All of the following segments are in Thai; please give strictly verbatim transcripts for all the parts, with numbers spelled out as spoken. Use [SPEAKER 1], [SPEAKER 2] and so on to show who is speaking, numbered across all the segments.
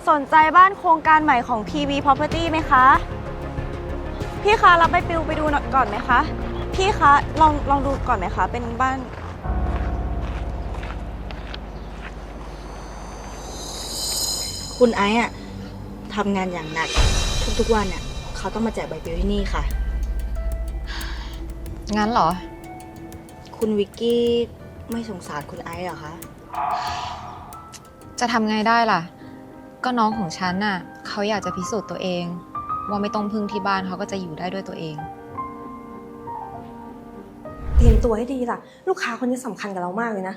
[SPEAKER 1] สนใจบ้านโครงการใหม่ของ พี วี Property ไหมคะพี่คะรับใบปลิวไปดูก่อนไหมคะพี่คะลองลองดูก่อนไหมคะเป็นบ้าน
[SPEAKER 2] คุณไอซ์อะทำงานอย่างหนักทุกๆวันอะเขาต้องมาแจกใบปลิวที่นี่ค่ะ
[SPEAKER 3] งั้นเหรอ
[SPEAKER 2] คุณวิกกี้ไม่สงสารคุณไอซ์เหรอคะ
[SPEAKER 3] จะทำไงได้ล่ะ ก็น้องของฉันน่ะเขาอยากจะพิสูจน์ตัวเอง ว่าไม่ต้องพึ่งที่บ้านเขาก็จะอยู่ได้ด้วยตัวเอง
[SPEAKER 4] เตรียมตัวให้ดีล่ะ ลูกค้าคนนี้สำคัญกับเรามากเลยนะ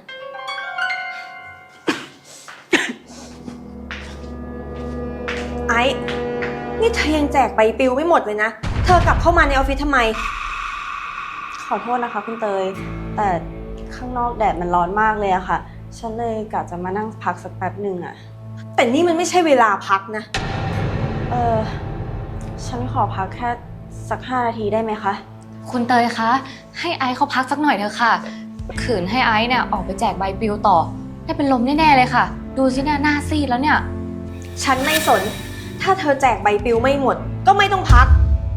[SPEAKER 4] ไอ้นี่เธอยังแจกใบปลิวไม่หมดเลยนะ เธอกลับเข้ามาในออฟฟิศทำไม
[SPEAKER 1] ขอโทษนะคะคุณเตยแต่ข้างนอกแดดมันร้อนมากเลยอะค่ะฉันเลยกะจะมานั่งพักสักแป๊บหนึ่งอะ
[SPEAKER 4] แต่นี่มันไม่ใช่เวลาพักนะ
[SPEAKER 1] เออฉันขอพักแค่สักห้านาทีได้ไหมคะ
[SPEAKER 5] คุณเตยคะ ให้ไอซ์เขาพักสักหน่อยเถอะค่ะขืนให้ไอซ์เนี่ยออกไปแจกใบปลิวต่อได้เป็นลมแน่ๆเลยค่ะ ดูสิเนี่ยหน้าซีดแล้วเนี่ย
[SPEAKER 4] ฉันไม่สน ถ้าเธอแจกใบปลิวไม่หมด ก็ไม่ต้องพัก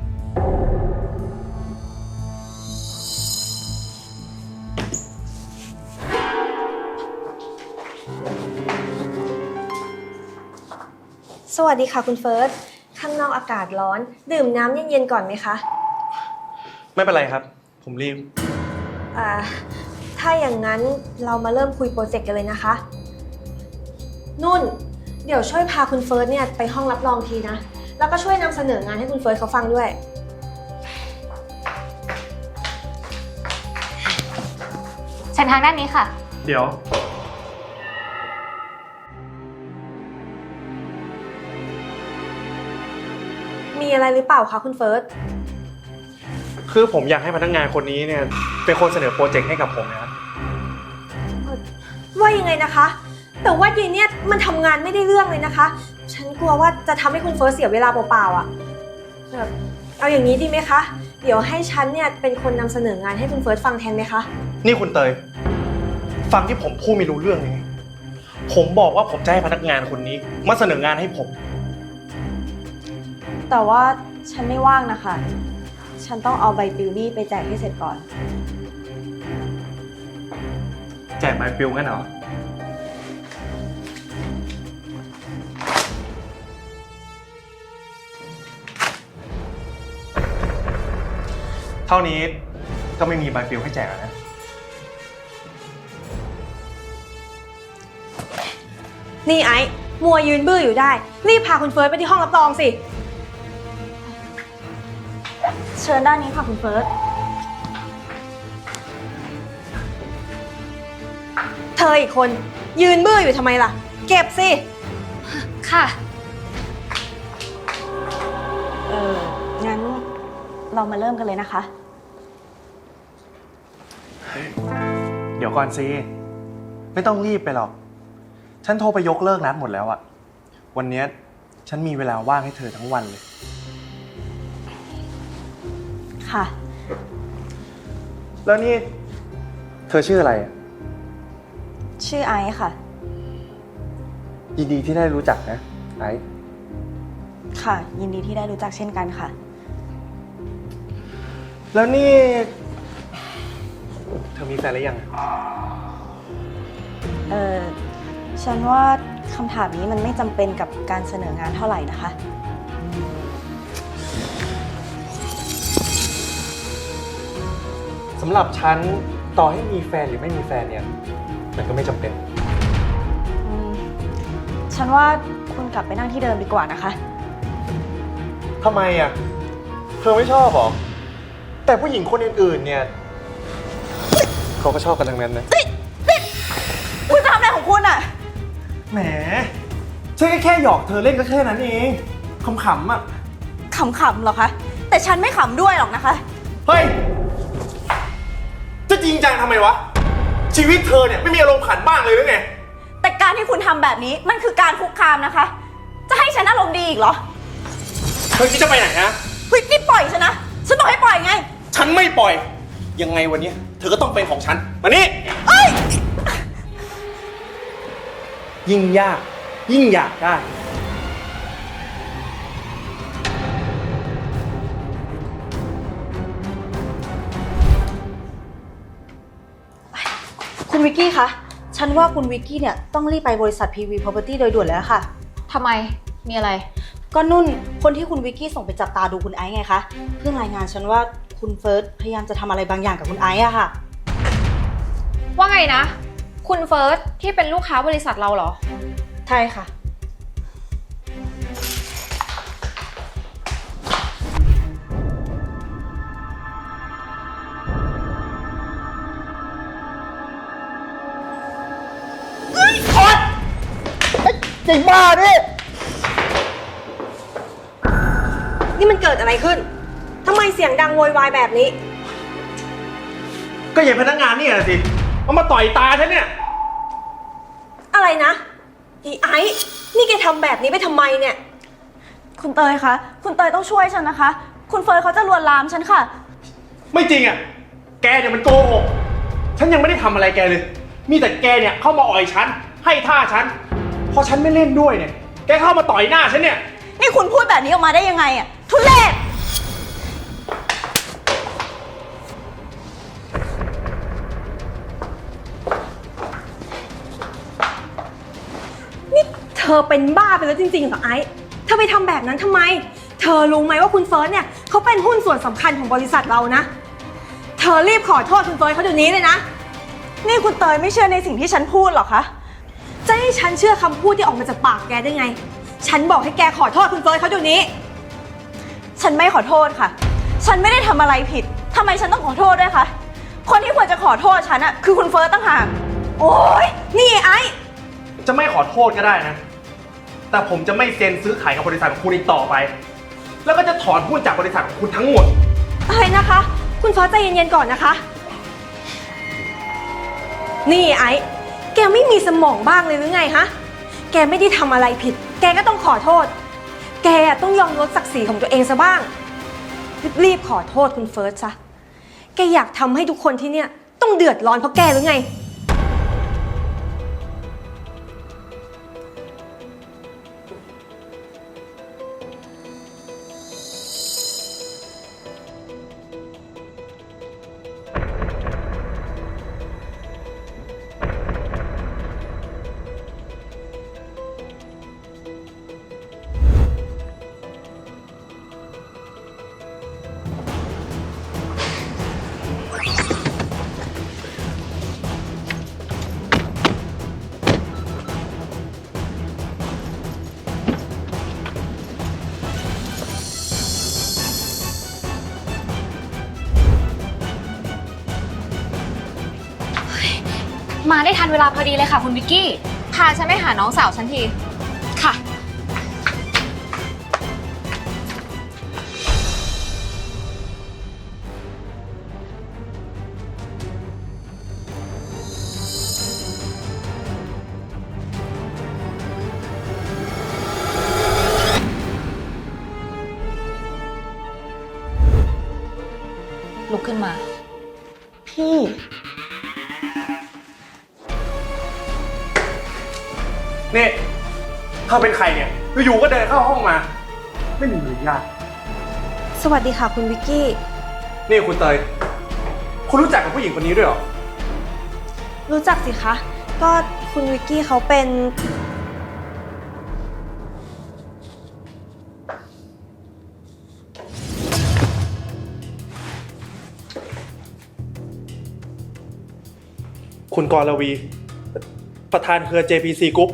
[SPEAKER 4] สวัสดีค่ะคุณเฟิร์ส ข้างนอกอากาศร้อน ดื่มน้ำเย็นๆก่อนไหมคะ
[SPEAKER 6] ไม่เป็นไรครับ ผมรีบ
[SPEAKER 4] อ่า ถ้าอย่างนั้นเรามาเริ่มคุยโปรเจกต์กันเลยนะคะ นุ่น เดี๋ยวช่วยพาคุณเฟิร์สเนี่ยไปห้องรับรองทีนะ แล้วก็ช่วยนำเสนองานให้คุณเฟิร์สเขาฟังด้วย
[SPEAKER 5] เชิญทางด้านนี้ค่ะ
[SPEAKER 6] เดี๋ยว
[SPEAKER 4] มีอะไรหรือเปล่าคะคุณเฟิร์ส
[SPEAKER 6] คือผมอยากให้พนักงานคนนี้เนี่ยเป็นคนเสนอโปรเจกต์ให้กับผมนะครับ
[SPEAKER 4] ว่ายังไงนะคะ แต่ว่ายีเนี่ยมันทำงานไม่ได้เรื่องเลยนะคะ ฉันกลัวว่าจะทำให้คุณเฟิร์สเสียเวลาเปล่าๆอ่ะแบบเอาอย่างนี้ดีไหมคะ เดี๋ยวให้ฉันเนี่ยเป็นคนนำเสนองานให้คุณเฟิร์สฟังแทนไหมคะ
[SPEAKER 6] นี่คุณเตย ฟังที่ผมพูดไม่รู้เรื่องเลยไงผมบอกว่าผมจะให้พนักงานคนนี้มาเสนองานให้ผม
[SPEAKER 1] แต่ว่าฉันไม่ว่างนะคะฉันต้องเอาใบปลิวนี่ไปแจกให้เสร็จก่อน
[SPEAKER 6] แจกใบปลิวงั้นเหรอ เท่านี้ก็ไม่มีใบปลิวให้แจกแล้วนะ
[SPEAKER 4] นี่ไอ้มัวยืนบื้ออยู่ได้ รีบพาคุณเฟิร์สไปที่ห้องรับรองสิ
[SPEAKER 1] เชิญด้านนี้ค่ะคุณเฟิร์ส
[SPEAKER 4] เธออีกคนยืนบื้ออยู่ทำไมล่ะ เก็บสิ
[SPEAKER 5] ค่ะ
[SPEAKER 1] เอองั้นเรามาเริ่มกันเลยนะคะ
[SPEAKER 6] เดี๋ยวก่อนสิไม่ต้องรีบไปหรอก ฉันโทรไปยกเลิกนัดหมดแล้วอะวันนี้ฉันมีเวลาว่างให้เธอทั้งวันเลย
[SPEAKER 1] ค่ะ
[SPEAKER 6] แล้วนี่เธอชื่ออะไรอะ
[SPEAKER 1] ชื่อไอซ์ค่ะ
[SPEAKER 6] ยินดีที่ได้รู้จักนะไอซ์
[SPEAKER 1] ค่ะ ยินดีที่ได้รู้จักเช่นกันค่ะ
[SPEAKER 6] แล้วนี่เธอมีแฟนหรือยัง
[SPEAKER 1] เออฉันว่าคำถามนี้มันไม่จำเป็นกับการเสนองานเท่าไหร่นะคะ
[SPEAKER 6] สำหรับฉันต่อให้มีแฟนหรือไม่มีแฟนเนี่ยมันก็ไม่จำเป็น
[SPEAKER 1] อืมฉันว่าคุณกลับไปนั่งที่เดิมดีกว่านะคะ
[SPEAKER 6] ทำไมอ่ะ เธอไม่ชอบหรอ แต่ผู้หญิงคนอื่นๆเนี่ยเขาก็ชอบกันทั้งนั้นนะ
[SPEAKER 1] คุณจะทำอะไรของคุณอะ
[SPEAKER 6] แหมฉันก็แค่หยอกเธอเล่นก็แค่นั้นเองขำๆอ่ะ
[SPEAKER 1] ขำๆเหรอคะ แต่ฉันไม่ขำด้วยหรอกนะคะ
[SPEAKER 6] เฮ้ย จะจริงจังทำไมวะ ชีวิตเธอเนี่ยไม่มีอารมณ์ขันบ้างเลยหรือไง
[SPEAKER 1] แต่การที่คุณทำแบบนี้มันคือการคุกคามนะคะ จะให้ฉันอารมณ์ดีอีกเหรอ
[SPEAKER 6] เธอคิดจะไปไหนฮะ
[SPEAKER 1] เฮ้ยนี่ปล่อยฉันนะ ฉันบอกให้ปล่อยไง
[SPEAKER 6] ฉันไม่ปล่อย ยังไงวันนี้เธอก็ต้องเป็นของฉัน มานี่
[SPEAKER 1] เอ้ย
[SPEAKER 6] ยิ่งยาก ยิ่งอยากได้
[SPEAKER 2] วิกกี้คะ ฉันว่าคุณวิกกี้เนี่ยต้องรีบไปบริษัท พี วี Property โดยด่วนแล้วค่ะ
[SPEAKER 3] ทำไม มีอะไร
[SPEAKER 2] ก็นุ่น คนที่คุณวิกกี้ส่งไปจับตาดูคุณไอซ์ไงคะ เพิ่งรายงานฉันว่าคุณเฟิร์สพยายามจะทำอะไรบางอย่างกับคุณไอซ์อะค่ะ
[SPEAKER 3] ว่าไงนะ คุณเฟิร์สที่เป็นลูกค้าบริษัทเราเหรอ
[SPEAKER 2] ใช่ค่ะ
[SPEAKER 6] ไอ้บ้าดิ
[SPEAKER 4] นี่มันเกิดอะไรขึ้น ทำไมเสียงดังโวยวายแบบนี้
[SPEAKER 6] ก็อย่าพนักงานนี่นะสิเอามาต่อยตาฉันเนี่ย
[SPEAKER 4] อะไรนะอีไอซ์นี่แกทำแบบนี้ไปทำไมเนี่ย
[SPEAKER 1] คุณเตยคะ คุณเตยต้องช่วยฉันนะคะ คุณเฟิร์นเขาจะลวนลามฉันค่ะ
[SPEAKER 6] ไม่จริงอ่ะ แกเนี่ยมันโกหก ฉันยังไม่ได้ทำอะไรแกเลย มีแต่แกเนี่ยเข้ามาอ่อยฉัน ให้ท่าฉัน พอฉันไม่เล่นด้วยเนี่ย แกเข้ามาต่อยหน้าฉันเนี่ย
[SPEAKER 1] นี่คุณพูดแบบนี้ออกมาได้ยังไงอะทุเรศ
[SPEAKER 4] นี่เธอเป็นบ้าไปแล้วจริงๆเหรอไอซ์เธอไปทำแบบนั้นทำไม เธอรู้ไหมว่าคุณเฟิร์สเนี่ยเขาเป็นหุ้นส่วนสำคัญของบริษัทเรานะ เธอรีบขอโทษคุณเฟิร์สเขาเดี๋ยวนี้เลยนะ
[SPEAKER 1] นี่คุณเตยไม่เชื่อในสิ่งที่ฉันพูดหรอคะ
[SPEAKER 4] จะให้ฉันเชื่อคำพูดที่ออกมาจากปากแกได้ไง ฉันบอกให้แกขอโทษคุณเฟิร์สเขาเดี๋ยวนี้
[SPEAKER 1] ฉันไม่ขอโทษค่ะ ฉันไม่ได้ทำอะไรผิด ทำไมฉันต้องขอโทษด้วยคะ คนที่ควรจะขอโทษฉันอะคือคุณเฟิร์สตั้งหาก
[SPEAKER 4] โอ๊ย นี่ไอ้
[SPEAKER 6] จะไม่ขอโทษก็ได้นะ แต่ผมจะไม่เซ็นซื้อขายกับบริษัทของคุณอีกต่อไป แล้วก็จะถอนหุ้นจากบริษัทของคุณทั้งหมด
[SPEAKER 4] อะไรนะคะ คุณเฟิร์สใจเย็นๆก่อนนะคะ นี่ไอ้ แกไม่มีสมองบ้างเลยหรือไงฮะ แกไม่ได้ทำอะไรผิด แกก็ต้องขอโทษ แกต้องยอมลดศักดิ์ศรีของตัวเองซะบ้าง รีบๆขอโทษคุณเฟิร์สซะ แกอยากทำให้ทุกคนที่เนี่ยต้องเดือดร้อนเพราะแกหรือไง
[SPEAKER 5] มาได้ทันเวลาพอดีเลยค่ะคุณวิกกี้
[SPEAKER 3] พาฉันไปหาน้องสาวฉันที
[SPEAKER 5] ค่ะ
[SPEAKER 3] ลุกขึ้นมา
[SPEAKER 1] พี่
[SPEAKER 6] นี่เธอเป็นใครเนี่ย อยู่ๆก็เดินเข้าห้องมา ไม่มีมารยาท
[SPEAKER 4] สวัสดีค่ะคุณวิกกี้
[SPEAKER 6] นี่คุณเตย คุณรู้จักกับผู้หญิงคนนี้ด้วยเหรอ
[SPEAKER 4] รู้จักสิคะ ก็คุณวิกกี้เขาเป็น
[SPEAKER 6] คุณกรวี ประธานเครือ เจ พี ซี Group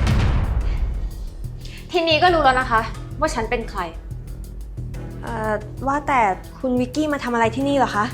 [SPEAKER 3] ทีนี้ก็รู้แล้วนะคะ ว่าฉันเป็นใคร
[SPEAKER 4] เอ่อ ว่าแต่คุณวิกกี้มาทำอะไรที่นี่เหรอคะ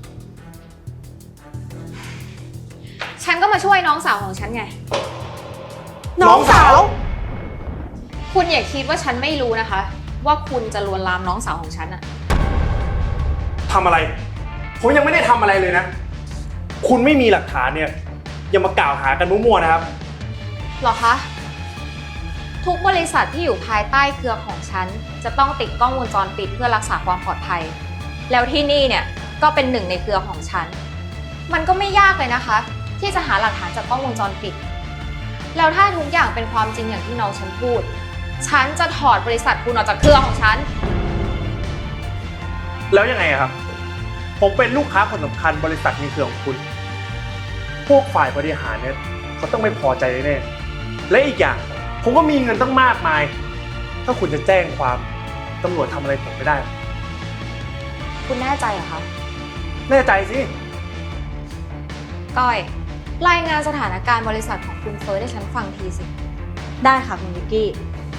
[SPEAKER 3] ฉันก็มาช่วยน้องสาวของฉันไง
[SPEAKER 4] น้องสาว
[SPEAKER 3] คุณอย่าคิดว่าฉันไม่รู้นะคะ ว่าคุณจะลวนลามน้องสาวของฉันอะ
[SPEAKER 6] ทำอะไร ผมยังไม่ได้ทำอะไรเลยนะ คุณไม่มีหลักฐานเนี่ย อย่ามากล่าวหากันมั่วๆนะครับ
[SPEAKER 3] หรอคะ ทุกบริษัทที่อยู่ภายใต้เครือของฉันจะต้องติดกล้องวงจรปิดเพื่อรักษาความปลอดภัย แล้วที่นี่เนี่ยก็เป็นหนึ่งในเครือของฉัน มันก็ไม่ยากเลยนะคะ ที่จะหาหลักฐานจากกล้องวงจรปิด แล้วถ้าทุกอย่างเป็นความจริงอย่างที่น้องฉันพูด ฉันจะถอดบริษัทคุณออกจากเครือของฉัน
[SPEAKER 6] แล้วยังไงอะครับ ผมเป็นลูกค้าคนสำคัญบริษัทในเครือของคุณพวกฝ่ายบริหารเนี่ยเขาต้องไม่พอใจแน่ๆและอีกอย่างผมก็มีเงินตั้งมากมาย ถ้าคุณจะแจ้งความตำรวจทำอะไรผมไม่ได้
[SPEAKER 3] คุณแน่ใจเหรอคะ
[SPEAKER 6] แน่ใจสิ
[SPEAKER 3] ก้อย รายงานสถานการณ์บริษัทของคุณเฟิร์สให้ฉันฟังทีสิ
[SPEAKER 2] ได้ค่ะคุณวิกกี้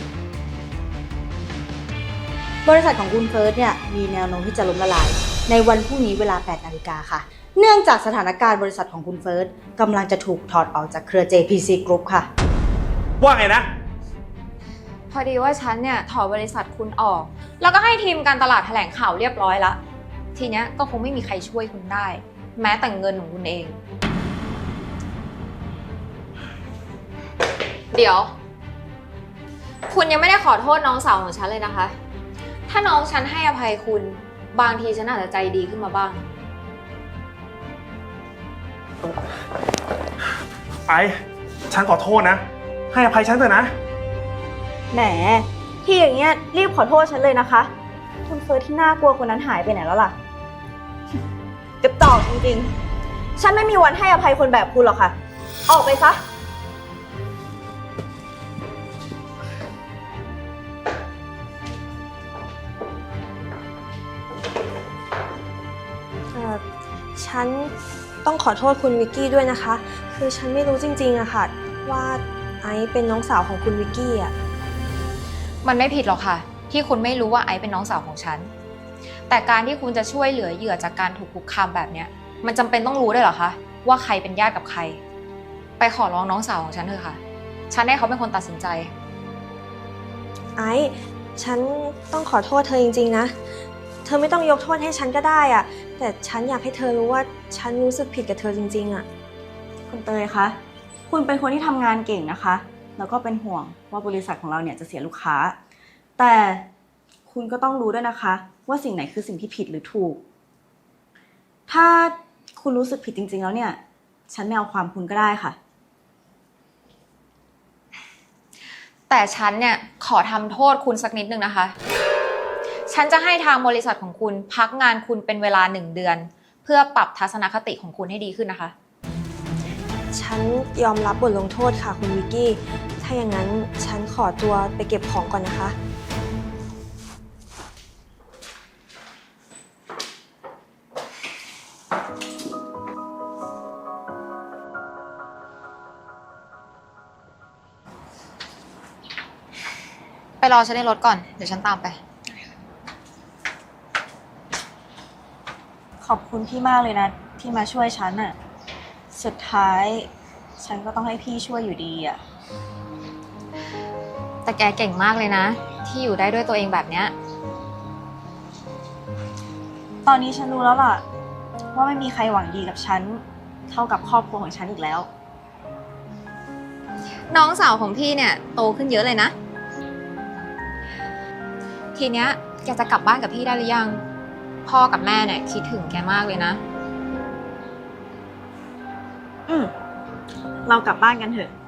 [SPEAKER 2] บริษัทของคุณเฟิร์สเนี่ยมีแนวโน้มที่จะล้มละลาย ในวันพรุ่งนี้เวลา แปดนาฬิกาค่ะ เนื่องจากสถานการณ์บริษัทของคุณเฟิร์สกำลังจะถูกถอดออกจากเครือ เจ พี ซี Group ค่ะ
[SPEAKER 6] ว่าไงนะ
[SPEAKER 3] พอดีว่าฉันเนี่ยถอนบริษัทคุณออก แล้วก็ให้ทีมการตลาดแถลงข่าวเรียบร้อยละทีเนี้ยก็คงไม่มีใครช่วยคุณได้ แม้แต่เงินของคุณเอง เดี๋ยว คุณยังไม่ได้ขอโทษน้องสาวของฉันเลยนะคะ ถ้าน้องฉันให้อภัยคุณบางทีฉันอาจจะใจดีขึ้นมาบ้าง
[SPEAKER 6] ไอ้ฉันขอโทษนะ ให้อภัยฉันเถอะนะ
[SPEAKER 1] แหมที่อย่างเงี้ยรีบขอโทษฉันเลยนะคะ คุณเฟิร์สที่น่ากลัวคนนั้นหายไปไหนแล้วล่ะ กระจอกจริงๆ ฉันไม่มีวันให้อภัยคนแบบคุณหรอกค่ะ ออกไปซะ
[SPEAKER 4] เอ่อฉันต้องขอโทษคุณวิกกี้ด้วยนะคะ คือฉันไม่รู้จริงๆอะค่ะว่าไอซ์เป็นน้องสาวของคุณวิกกี้อะ
[SPEAKER 3] มันไม่ผิดหรอกค่ะ ที่คุณไม่รู้ว่าไอซ์เป็นน้องสาวของฉัน แต่การที่คุณจะช่วยเหลือเหยื่อจากการถูกคุกคามแบบเนี้ยมันจำเป็นต้องรู้ด้วยเหรอคะว่าใครเป็นญาติกับใคร ไปขอร้องน้องสาวของฉันเถอะค่ะ ฉันให้เขาเป็นคนตัดสินใจ
[SPEAKER 4] ไอซ์ฉันต้องขอโทษเธอจริงๆนะ เธอไม่ต้องยกโทษให้ฉันก็ได้อะแต่ฉันอยากให้เธอรู้ว่าฉันรู้สึกผิดกับเธอจริงๆอะ
[SPEAKER 1] คุณเตยคะ คุณเป็นคนที่ทำงานเก่งนะคะ แล้วก็เป็นห่วงว่าบริษัทของเราเนี่ยจะเสียลูกค้า แต่คุณก็ต้องรู้ด้วยนะคะ ว่าสิ่งไหนคือสิ่งที่ผิดหรือถูก ถ้าคุณรู้สึกผิดจริงๆแล้วเนี่ย ฉันไม่เอาความคุณก็ได้ค่ะ
[SPEAKER 3] แต่ฉันเนี่ยขอทำโทษคุณสักนิดนึงนะคะ ฉันจะให้ทางบริษัทของคุณพักงานคุณเป็นเวลาหนึ่งเดือน เพื่อปรับทัศนคติของคุณให้ดีขึ้นนะคะ
[SPEAKER 4] ฉันยอมรับบทลงโทษค่ะคุณวิกกี้ ถ้าอย่างนั้นฉันขอตัวไปเก็บของก่อนนะคะ
[SPEAKER 3] ไปรอฉันในรถก่อน เดี๋ยวฉันตามไป
[SPEAKER 1] ขอบคุณพี่มากเลยนะที่มาช่วยฉันอะสุดท้ายฉันก็ต้องให้พี่ช่วยอยู่ดีอะ
[SPEAKER 3] แต่แกเก่งมากเลยนะ ที่อยู่ได้ด้วยตัวเองแบบเนี้ย
[SPEAKER 1] ตอนนี้ฉันรู้แล้วล่ะ ว่าไม่มีใครหวังดีกับฉันเท่ากับครอบครัวของฉันอีกแล้ว
[SPEAKER 3] น้องสาวของพี่เนี่ยโตขึ้นเยอะเลยนะ ทีเนี้ยแกจะกลับบ้านกับพี่ได้หรือยัง พ่อกับแม่เนี่ยคิดถึงแกมากเลยนะ
[SPEAKER 1] อืมเรากลับบ้านกันเถอะ